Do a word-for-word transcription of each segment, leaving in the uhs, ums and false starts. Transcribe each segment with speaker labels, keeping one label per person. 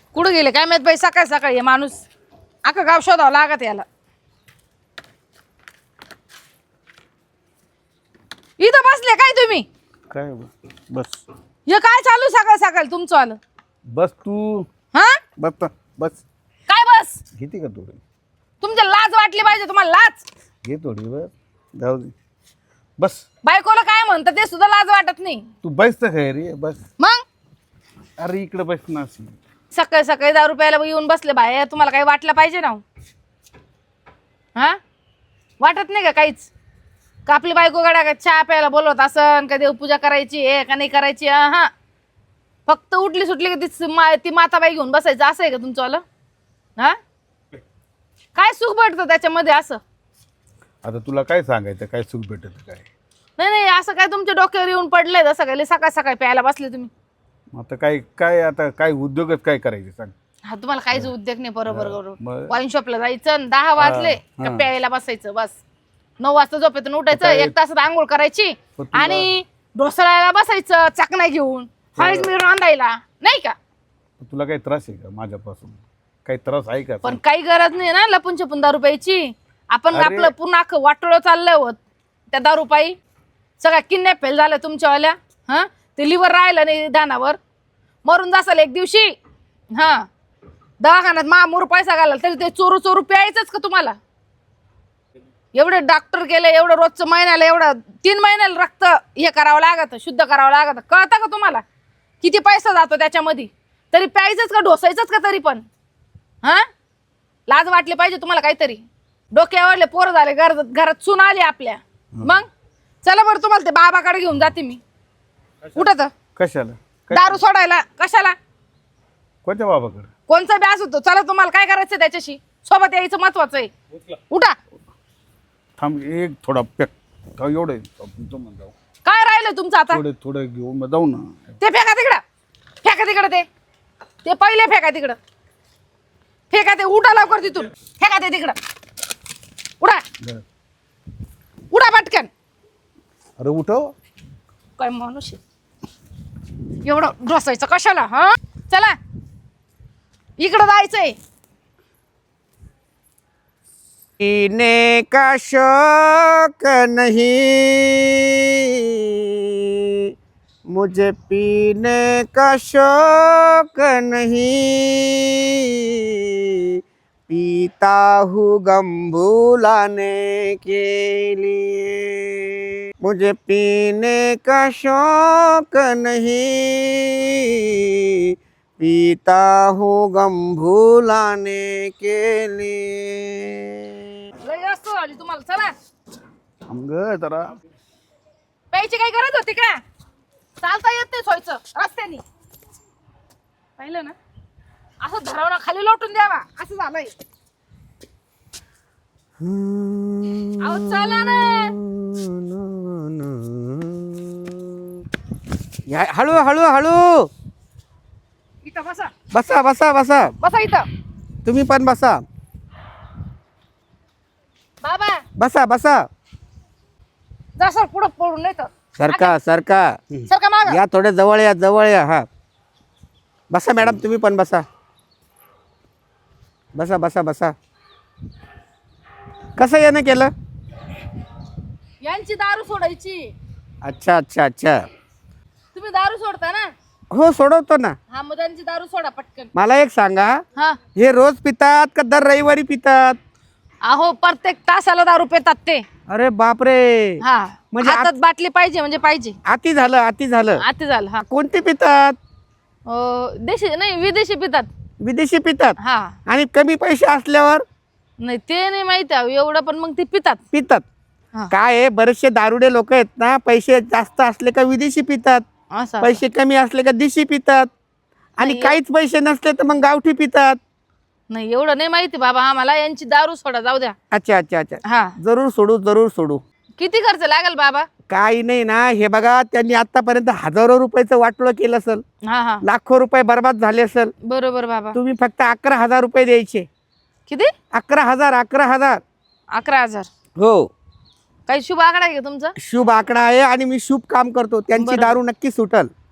Speaker 1: कुठं गेले काय माहित बाई, सकाळ सकाळी हे माणूस अख्खं गाव शोधावं लागत याला. इथं बसले काय तुम्ही?
Speaker 2: काय बस
Speaker 1: हे काय चालू सकाळ सकाळ तुमचं आलं?
Speaker 2: बस तू
Speaker 1: हा
Speaker 2: बस ना, बस
Speaker 1: काय बस?
Speaker 2: घेते का थोडी?
Speaker 1: तुमच्या लाज वाटली पाहिजे, तुम्हाला लाज.
Speaker 2: घे थोडी बस, जाऊ दे बस.
Speaker 1: बायकोला काय म्हणतात ते सुद्धा लाज वाटत नाही.
Speaker 2: तू बस तर काय रे, बस.
Speaker 1: मग
Speaker 2: अरे इकडे बस ना.
Speaker 1: सकाळी सकाळी दारू प्यायला येऊन बसले बाहेर, तुम्हाला काही वाटलं पाहिजे ना? हा वाटत नाही का काहीच? का आपली बायको गड्या का चहा प्यायला बोलवत असन का देवपूजा करायची आहे का नाही करायची? हा फक्त उठली सुटली की ती मा, ती माताबाई घेऊन बसायचं असं आहे का तुमचं आलं? हा काय सुख भेटतं त्याच्यामध्ये असं?
Speaker 2: आता तुला काय सांगायचं, काय सुख भेटत काय?
Speaker 1: नाही नाही असं काय तुमच्या डोक्यावर येऊन पडलंय जसं काय सकाळ सकाळी प्यायला बसले तुम्ही?
Speaker 2: आता काय काय आता काय उद्योगच काय करायचे सांग?
Speaker 1: हा तुम्हाला काहीच उद्योग नाही. बरोबर
Speaker 2: मग-
Speaker 1: बरोबर. वाईन शॉपला जायचं आणि दहा वाजले का
Speaker 2: हा.
Speaker 1: प्यायला बसायचं बस. नऊ वाजता झोपेतून उठायचं,
Speaker 2: काय-
Speaker 1: एक तासात आंघोळ करायची
Speaker 2: पण तुला-
Speaker 1: आणि ढोसळायला बसायचं चकना घेऊन हळद मी रांधायला नाही का?
Speaker 2: तुला काही त्रास आहे का माझ्यापासून? काही त्रास आहे का?
Speaker 1: पण काही गरज नाही ना लपून छपून दारू प्यायची. आपण
Speaker 2: अरे-
Speaker 1: आपलं पुन्हा अख्खं वाटोळं चाललंय होत त्या दारू पायी. सगळ्या किडनॅप फेल झाल्या तुमच्यावाल्या. हा ते लिव्हर राहिलं नाही दानावर, मरून जासाल एक दिवशी. हा दवाखान्यात मामूर पैसा घालाल तरी ते चोरू चोरू प्यायचंच का तुम्हाला? एवढे डॉक्टर गेले, एवढं रोजचं महिन्याला एवढं तीन महिन्याला रक्त हे करावं लागतं, शुद्ध करावं लागतं. कळतं का तुम्हाला किती पैसा जातो त्याच्यामध्ये? तरी प्यायचंच का ढोसायचंच का तरी पण? हा लाज वाटली पाहिजे तुम्हाला काहीतरी. डोक्यावरले पोरं झाले, घरात घरात सून आली आपल्या. मग चला बरं तुम्हाला ते बाबाकडे घेऊन जाते मी. उठत
Speaker 2: कशाला? काय-
Speaker 1: दारू सोडायला कशाला?
Speaker 2: कोणत्या बाबाकडे?
Speaker 1: कोणचा ब्यास होतो? चला तुम्हाला काय करायचं त्याच्याशी? सोबत यायचं महत्वाचं आहे. उठा.
Speaker 2: थांब एक थोडा पॅक एवढं तो मग जाऊ.
Speaker 1: काय राहिलं तुमचं आता?
Speaker 2: थोडं थोडं घेऊन मग जाऊ ना.
Speaker 1: ते फेका तिकडं, फेका तिकडं. ते ते पहिले फेका तिकडं, फेका ते. उठा लवकर तिथून, फेका ते तिकडं. उडा
Speaker 2: बरं.
Speaker 1: उडा पटकन.
Speaker 2: अरे उठव.
Speaker 1: काय माणूस आहे? एवढं ढोसायचं कशाला? हा चला इकडं जायचंय.
Speaker 3: पीने का शौक नहीं मुझे, पीने का शौक नहीं, पीता हूँ गम भुलाने के लिए। मुझे पीने का शौक नहीं, पीता हूँ गम भुलाने के लिए।
Speaker 1: लय जास्त झाली तुम्हाला. चला
Speaker 2: थांब ग जरा.
Speaker 1: प्यायची काही गरज होती का? चालता येत नाही सोयचं रस्त्याने. पाहिलं ना असं धरावणं खाली लोटून द्यावा असं झालंय. अहो चला ना.
Speaker 3: या हळू हळू हळू.
Speaker 1: इथं बसा,
Speaker 3: बसा बसा बसा.
Speaker 1: बसा इथं.
Speaker 3: तुम्ही पण बसा.
Speaker 1: बाबा
Speaker 3: बसा बसा.
Speaker 1: जसं पुढं पडून नाही तर
Speaker 3: सरका सरका.
Speaker 1: सरका माग.
Speaker 3: या थोडे जवळ या जवळ या. हा बसा मॅडम, तुम्ही पण बसा. बसा बसा बसा. कसं यानं केलं?
Speaker 1: यांची दारू सोडायची.
Speaker 3: अच्छा अच्छा अच्छा.
Speaker 1: तुम्ही दारू सोडता ना?
Speaker 3: हो सोडवतो ना.
Speaker 1: हा मग त्यांची दारू सोडा पटकन.
Speaker 3: मला एक सांगा,
Speaker 1: हा
Speaker 3: हे रोज पितात का दर रविवारी पितात?
Speaker 1: अहो प्रत्येक तासाला दारू पितात ते.
Speaker 3: अरे बापरे.
Speaker 1: हा
Speaker 3: म्हणजे
Speaker 1: हातात बाटली पाहिजे म्हणजे पाहिजे.
Speaker 3: अति झालं अति झालं.
Speaker 1: आता झालं. हा
Speaker 3: कोणते पितात?
Speaker 1: अं, देशी नाही विदेशी पितात.
Speaker 3: विदेशी पितात.
Speaker 1: हा
Speaker 3: आणि कमी पैसे असल्यावर
Speaker 1: नाही ते नाही माहिती आहे एवढं, पण मग ते पितात.
Speaker 3: पितात.
Speaker 1: हा.
Speaker 3: काय आहे, बरेचसे दारुडे लोक आहेत ना, पैसे जास्त असले का विदेशी पितात,
Speaker 1: असं
Speaker 3: पैसे कमी असले का देशी पितात, आणि
Speaker 1: नाही,
Speaker 3: काहीच पैसे नसले तर मग गावठी पितात.
Speaker 1: नाही एवढं नाही माहिती बाबा आम्हाला. यांची दारू सोडा जाऊ द्या.
Speaker 3: अच्छा अच्छा अच्छा.
Speaker 1: हा
Speaker 3: जरूर सोडू जरूर सोडू.
Speaker 1: किती खर्च लागेल बाबा?
Speaker 3: काही नाही ना. हे बघा, त्यांनी आतापर्यंत हजारो रुपयाचं वाटोळं केलं असेल,
Speaker 1: हा हा
Speaker 3: लाखो रुपये बर्बाद झाले असेल.
Speaker 1: बरोबर बाबा.
Speaker 3: तुम्ही फक्त अकरा हजार रुपये द्यायचे.
Speaker 1: किती?
Speaker 3: अकरा हजार अकरा हजार
Speaker 1: अकरा हजार.
Speaker 3: हो.
Speaker 1: काही शुभ आकडा आहे का तुमचा?
Speaker 3: शुभ आकडा आहे आणि मी शुभ काम करतो. त्यांची
Speaker 1: बरोबर.
Speaker 3: दारू नक्की सुटल.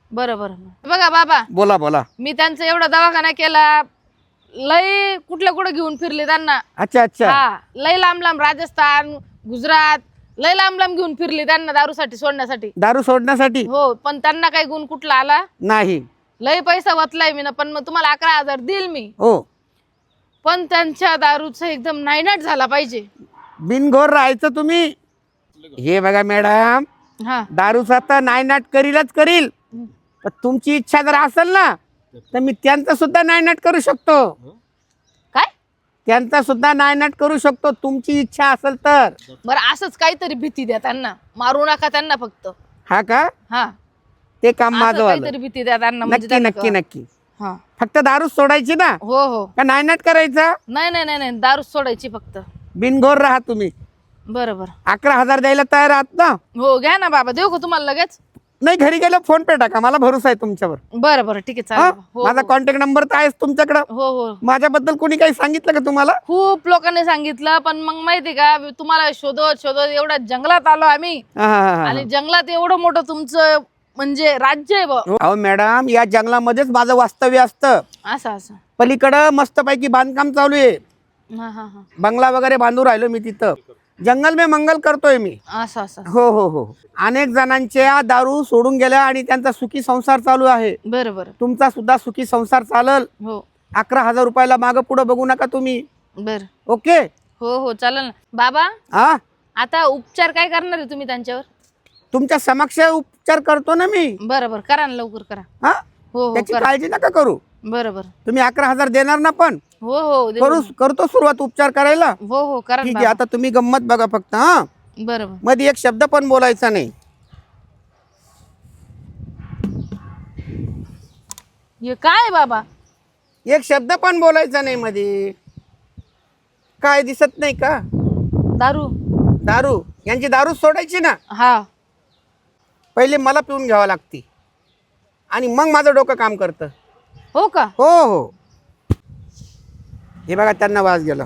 Speaker 1: बरं बरं बघा बाबा,
Speaker 3: बोला बोला.
Speaker 1: मी त्यांचा एवढा दवाखाना केला, लय कुठल्या कुठे घेऊन फिरले त्यांना.
Speaker 3: अच्छा अच्छा.
Speaker 1: हा, लय लांब लांब, राजस्थान, गुजरात, लय लांब लांब घेऊन फिरले त्यांना दारूसाठी सोडण्यासाठी.
Speaker 3: दारू सोडण्यासाठी?
Speaker 1: हो, पण त्यांना काही गुण कुठला आला
Speaker 3: नाही.
Speaker 1: लय पैसा वतलाय मी ना, पण मग तुम्हाला अकरा हजार देईल मी.
Speaker 3: हो,
Speaker 1: पण त्यांच्या दारूचं एकदम नायनाट झाला पाहिजे.
Speaker 3: बिनघोर राहायचं तुम्ही. हे बघा मॅडम,
Speaker 1: हा,
Speaker 3: दारूचा तर नायनाट करीलच करील, पण तुमची इच्छा जर असेल ना तर मी त्यांचा सुद्धा नायनाट करू शकतो.
Speaker 1: काय?
Speaker 3: त्यांचा सुद्धा नायनाट करू शकतो तुमची इच्छा असेल तर.
Speaker 1: बरं, असंच काहीतरी भीती द्या त्यांना, मारू नका त्यांना फक्त.
Speaker 3: हा का?
Speaker 1: हा,
Speaker 3: ते काम
Speaker 1: असं
Speaker 3: माझं वालं.
Speaker 1: काहीतरी भीती द्या त्यांना, म्हणजे
Speaker 3: नक्की
Speaker 1: त्यांना
Speaker 3: नक्की
Speaker 1: कळलं.
Speaker 3: नक्की.
Speaker 1: हा,
Speaker 3: फक्त दारू सोडायची ना,
Speaker 1: हो हो,
Speaker 3: का नायनाट करायचा?
Speaker 1: नाही नाही नाही नाही, दारू सोडायची फक्त.
Speaker 3: बिनघोर राहा तुम्ही.
Speaker 1: बरं बरं,
Speaker 3: अकरा हजार द्यायला तयार आहात ना?
Speaker 1: हो घ्या ना बाबा, देऊ का तुम्हाला लगेच?
Speaker 3: नाही, घरी गेलं फोन पे टाका, मला भरोसा आहे तुमच्यावर.
Speaker 1: बरं बरं, ठीक आहे,
Speaker 3: हा?
Speaker 1: चालेल. हो
Speaker 3: माझा
Speaker 1: हो.
Speaker 3: कॉन्टॅक्ट नंबर तर आहेच तुमच्याकडं.
Speaker 1: हो हो,
Speaker 3: माझ्याबद्दल कोणी काही सांगितलं का तुम्हाला?
Speaker 1: खूप लोकांनी सांगितलं, पण मग माहिती का, तुम्हाला शोधत शोधत एवढ्या जंगलात आलो आम्ही.
Speaker 3: हा, हा, हा.
Speaker 1: आणि जंगलात एवढं मोठं तुमचं म्हणजे राज्य आहे बा.
Speaker 3: अहो मॅडम, या जंगलामध्येच माझं वास्तव्य असतं.
Speaker 1: असं असं.
Speaker 3: पलीकडं मस्तपैकी बांधकाम चालू आहे,
Speaker 1: हा हा हा,
Speaker 3: बंगला वगैरे बांधू राहिलो मी तिथं. जंगल में मंगल करतोय मी.
Speaker 1: असं असं.
Speaker 3: हो हो हो. अनेक जणांच्या दारू सोडून गेल्या आणि त्यांचा सुखी संसार चालू आहे.
Speaker 1: बरं बरं,
Speaker 3: तुमचा सुद्धा सुखी संसार चालल.
Speaker 1: हो
Speaker 3: अकरा हजार रुपयाला मागं पुढं बघू नका तुम्ही.
Speaker 1: बरं,
Speaker 3: ओके?
Speaker 1: हो हो, चालेल ना बाबा.
Speaker 3: हा,
Speaker 1: आता उपचार काय करणार आहे तुम्ही त्यांच्यावर?
Speaker 3: तुमच्या समक्ष उपचार करतो ना मी.
Speaker 1: बरं बरं, करा ना, लवकर करा.
Speaker 3: हा,
Speaker 1: हो हो,
Speaker 3: त्याची
Speaker 1: करा.
Speaker 3: काळजी नका करू.
Speaker 1: बरं बरं,
Speaker 3: तुम्ही अकरा हजार देणार ना? पण
Speaker 1: हो हो, देऊ
Speaker 3: करू,
Speaker 1: ना.
Speaker 3: करतो सुरुवात उपचार करायला.
Speaker 1: हो हो, करा
Speaker 3: ठीक
Speaker 1: ना
Speaker 3: आहे.
Speaker 1: बाबा.
Speaker 3: आता तुम्ही गंमत बघा फक्त. हा,
Speaker 1: बरं बरं,
Speaker 3: मध्ये एक शब्द पण बोलायचा नाही.
Speaker 1: हे काय बाबा?
Speaker 3: एक शब्द पण बोलायचा नाही मध्ये. काय दिसत नाही का?
Speaker 1: दारू?
Speaker 3: दारू, यांची दारू सोडायची ना,
Speaker 1: हा,
Speaker 3: पहिले मला पिऊन घ्यावं लागते आणि मग माझं डोकं काम करतं.
Speaker 1: हो का?
Speaker 3: हो हो. हे बघा, त्यांना वास गेला.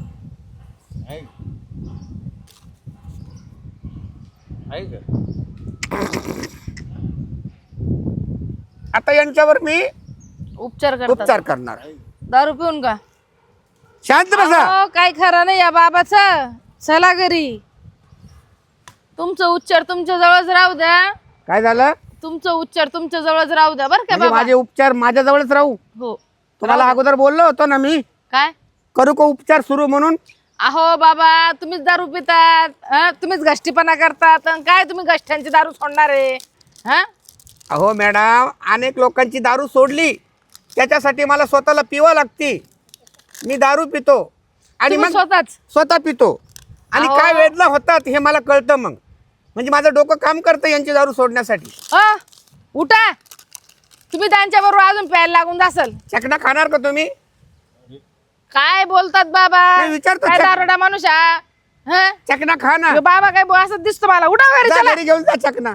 Speaker 3: आता यांच्यावर मी
Speaker 1: उपचार करतात?
Speaker 3: उपचार करणार.
Speaker 1: दारू पिऊन का?
Speaker 3: शांत बसा.
Speaker 1: अहो, काय खरं नाही या बाबाचं. चला घरी. तुमचं उपचार तुमच्या जवळच राहू द्या.
Speaker 3: काय झालं?
Speaker 1: तुमचं उपचार तुमच्या जवळच राहू द्या, बरं का
Speaker 3: म्हणजे
Speaker 1: बाबा?
Speaker 3: माझे उपचार माझ्या जवळच राहू?
Speaker 1: हो.
Speaker 3: तुम्हाला अगोदर बोललो होतो ना मी,
Speaker 1: काय?
Speaker 3: करू का उपचार सुरू म्हणून?
Speaker 1: अहो बाबा, तुम्हीच दारू पितात, हं? तुम्हीच गष्टीपणा करतात, अन काय तुम्ही गष्ट्यांची दारू सोडणार आहे? हा,
Speaker 3: अहो मॅडम, अनेक लोकांची दारू सोडली, त्याच्यासाठी मला स्वतःला पिवा लागते. मी दारू पितो आणि
Speaker 1: तुम्ही
Speaker 3: मग
Speaker 1: स्वतःच?
Speaker 3: स्वतः पितो आणि
Speaker 1: अहो.
Speaker 3: काय वेदना होतात हे मला कळतं. मग म्हणजे माझं डोकं काम करतं यांची दारू सोडण्यासाठी.
Speaker 1: अ उठा, तुम्ही त्यांच्या बरोबर अजून प्यायला लागून जासल.
Speaker 3: चकना खाणार का तुम्ही?
Speaker 1: काय बोलतात बाबा?
Speaker 3: नाही, विचारतो
Speaker 1: काय
Speaker 3: चक-
Speaker 1: दारोडा माणूस हा? हं?
Speaker 3: चकना खा ना.
Speaker 1: ह्यो बाबा काय बो- असं दिसतो मला. उठा घरी,
Speaker 3: जा
Speaker 1: चला.
Speaker 3: घरी घेऊन जा चकना.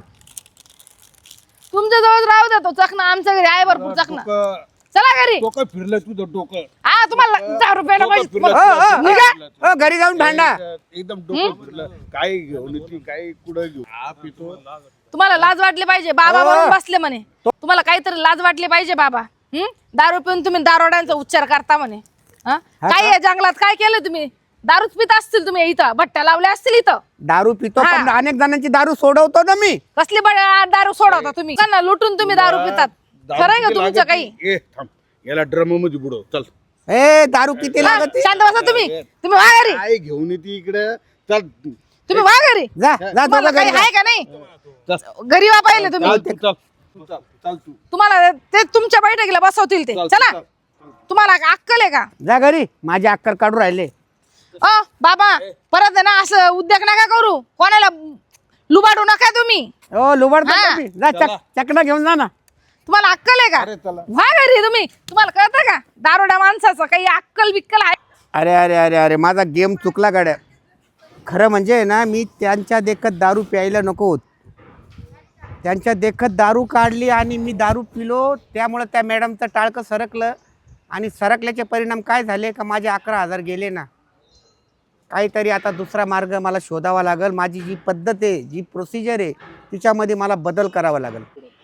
Speaker 1: तुमच्या जवळ राहू द्या तो चकना, आमच्या घरी आहे भरपूर चकना. चला घरी.
Speaker 2: डोकं फिरलं तुझं डोकं.
Speaker 1: हा, तुम्हाला दहा रुपयाला
Speaker 2: डोकं
Speaker 1: पाहिजे.
Speaker 2: फिरलं.
Speaker 3: हो, हो,
Speaker 1: निघा.
Speaker 3: हो, घरी जाऊन भांडा.
Speaker 2: एकदम डोकं फिरलं. काय घेऊन येते, काय कुठं घेऊ? हा पितो.
Speaker 1: तुम्हाला लाज वाटली पाहिजे. बाबा
Speaker 3: हो.
Speaker 1: म्हणून बसले म्हणे. तुम्हाला काहीतरी लाज वाटली पाहिजे बाबा. हं? दारू पिऊन तुम्ही दारोड्यांचा उच्चार करता म्हणे. हं? काय आहे जंगलात काय केलं तुम्ही? दारूच पित असतील तुम्ही, इथं भट्ट्या लावल्या असतील इथं.
Speaker 3: दारू पितो,
Speaker 1: हा.
Speaker 3: पण अनेक जणांची दारू सोडवतो ना मी.
Speaker 1: कसली बड- दारू सोडवता तुम्ही? त्यांना लुटून तुम्ही दारू पितात.
Speaker 2: दारू
Speaker 1: खरंय का
Speaker 2: किती
Speaker 1: तुमचं
Speaker 2: लागत
Speaker 1: काही?
Speaker 2: नाही? ए थांब, याला ड्रम मध्ये बुडव. चल.
Speaker 3: ए दारू किती
Speaker 1: हा,
Speaker 3: लागत?
Speaker 1: शांत बसा तुम्ही. तुम्ही वा घरी.
Speaker 2: काय घेऊन येते इकडे? चल.
Speaker 1: तुम्ही वा घरी.
Speaker 3: जा जा
Speaker 1: तुम्हाला
Speaker 3: दोघं
Speaker 1: काही
Speaker 3: घरी जा.
Speaker 1: आहे का नाही?
Speaker 2: चल.
Speaker 1: घरी वा पाहिले तुम्ही.
Speaker 2: चल तू, चल. तू चल, चल तू.
Speaker 1: तुम्हाला ते तुमच्या बैठकीला बसवतील ते.
Speaker 2: चल,
Speaker 1: चला.
Speaker 2: चल.
Speaker 1: तुम्हाला अक्कल आहे का?
Speaker 3: जा घरी. माझे अक्कर काढू राहिले.
Speaker 1: अ बाबा, परत आहे ना असं उद्योग नका करू. कोणाला लुबाडू नका तुम्ही.
Speaker 3: ओ लुबाडतो
Speaker 1: हा.
Speaker 3: का मी? जा
Speaker 2: चला.
Speaker 3: चक चकना घेऊन जा ना.
Speaker 1: तुम्हाला अक्कल आहे का?
Speaker 2: अरे चला.
Speaker 1: व्हा घरी तुम्ही. तुम्हाला कळतं का दारोड्या माणसाचं काही अक्कल बिक्कल आहे?
Speaker 3: अरे अरे अरे अरे माझा गेम चुकला गाड्या. खरं म्हणजे ना, मी त्यांच्या देखत दारू प्यायला नको होत. त्यांच्या देखत दारू काढली आणि मी दारू पिलो, त्यामुळं त्या मॅडमचं टाळकं सरकलं आणि सरकल्याचे परिणाम काय झाले का माझे अकरा हजार गेले ना. काहीतरी आता दुसरा मार्ग मला शोधावा लागेल. माझी जी पद्धत आहे, जी प्रोसिजर आहे, तिच्यामध्ये मला बदल करावा लागेल.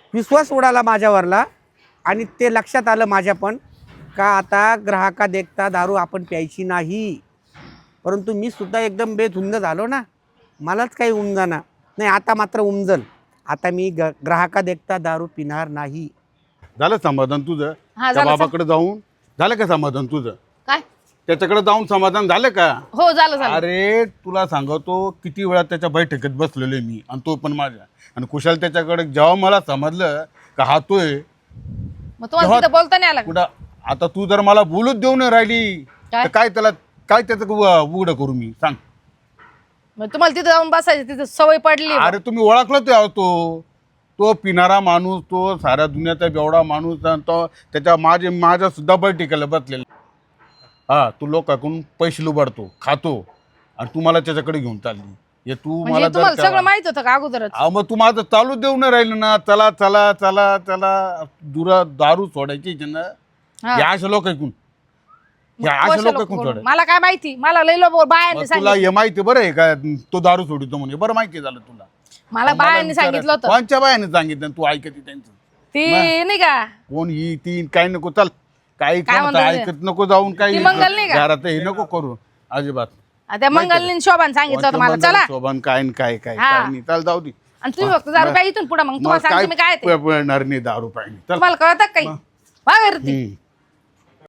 Speaker 3: विश्वास उडाला माझ्यावरला आणि ते लक्षात आलं माझ्या पण का आता ग्राहका देखता दारू आपण प्यायची नाही. परंतु मी सुद्धा एकदम बेधुंद झालो ना, मलाच काही उमजाना नाही. आता मात्र उमजल. आता मी ग ग्राहका देखता दारू पिणार नाही.
Speaker 2: झालं समाधान तुझं?
Speaker 1: हा,
Speaker 2: त्या
Speaker 1: झालं
Speaker 2: बाबाकडे जाऊन झालं का समाधान तुझं?
Speaker 1: काय
Speaker 2: त्याच्याकडे जाऊन समाधान झालं का?
Speaker 1: हो झालं झालं.
Speaker 2: अरे तुला सांगतो किती वेळा त्याच्या बैठकीत बसलेलो आहे मी आणि तो पण माझ्या. आणि कुशाल त्याच्याकडे जेव्हा मला समजलं का हा तोय,
Speaker 1: मग तुम्हाला
Speaker 2: तेव्हा-
Speaker 1: तिथं बोलता नाही आला का?
Speaker 2: कुठं आता तू जर मला बोलूच देऊ नाही राहिली
Speaker 1: काय?
Speaker 2: तर काय त्याला काय त्याचं उ- उघडं करू मी सांग?
Speaker 1: मग तुम्हाला तिथं जाऊन बसायची तिथं सवय पडली आहे.
Speaker 2: अरे तुम्ही ओळखलं तो तो तो पिणारा माणूस, तो साऱ्या दुनियाचा बेवडा माणूस आणि तो त्याच्या माझे माझ्या सुद्धा बैठकीला बसलेला. हा तू लोकांकडून पैसे लुबाडतो, खातो आणि तू मला त्याच्याकडे घेऊन चालली. हे तू
Speaker 1: म्हणजे
Speaker 2: मला
Speaker 1: तुम्हाला
Speaker 2: जर
Speaker 1: सगळं
Speaker 2: का-
Speaker 1: माहित होतं का अगोदरच?
Speaker 2: अहो, मग तू माझं चालू देऊ नाही राहिलं ना. चला चला चला चला दुरा दारू सोडायची इथे ना.
Speaker 1: हा.
Speaker 2: या अशा लोक ऐकून या
Speaker 1: मग
Speaker 2: अशा
Speaker 1: कशा
Speaker 2: लोक
Speaker 1: लोकं
Speaker 2: ऐकून
Speaker 1: बोलून?
Speaker 2: सोडाय.
Speaker 1: मला काय माहिती, मला लई लोक बायांनी
Speaker 2: मग तुला
Speaker 1: सांगितलं.
Speaker 2: हे माहिती बरं आहे का तो दारू सोडितो म्हणजे? बरं माहिती झालं तुला?
Speaker 1: मला
Speaker 2: मला
Speaker 1: बायांनी
Speaker 2: विचारायचं.
Speaker 1: सांगितलं होतं.
Speaker 2: कोणच्या बायाने सांगितलं तू ऐकते त्यांचं?
Speaker 1: ती नाही का
Speaker 2: कोण ही ती काय नको चल काही
Speaker 1: काय
Speaker 2: कोणतं
Speaker 1: म्हणतात ते?
Speaker 2: ऐकत नको जाऊन काही
Speaker 1: ती मंगल नाही का?
Speaker 2: घरात हे नको करू अजिबात.
Speaker 1: त्या मंगलनी शोभान सांगितलं होतं मला.
Speaker 2: कोणतं
Speaker 1: चला
Speaker 2: मंगल, शोभन काय न काय काय
Speaker 1: हा.
Speaker 2: काय नाही. चल जाऊ दे.
Speaker 1: आणि तुम्ही फक्त दारू काय इथून पुढे मग तुम्हाला
Speaker 2: मग
Speaker 1: सांगते मी काय ते.
Speaker 2: पिणार नाही दारू पाहिजे चल.
Speaker 1: तुम्हाला कळतं काही वागरती
Speaker 2: हम्म.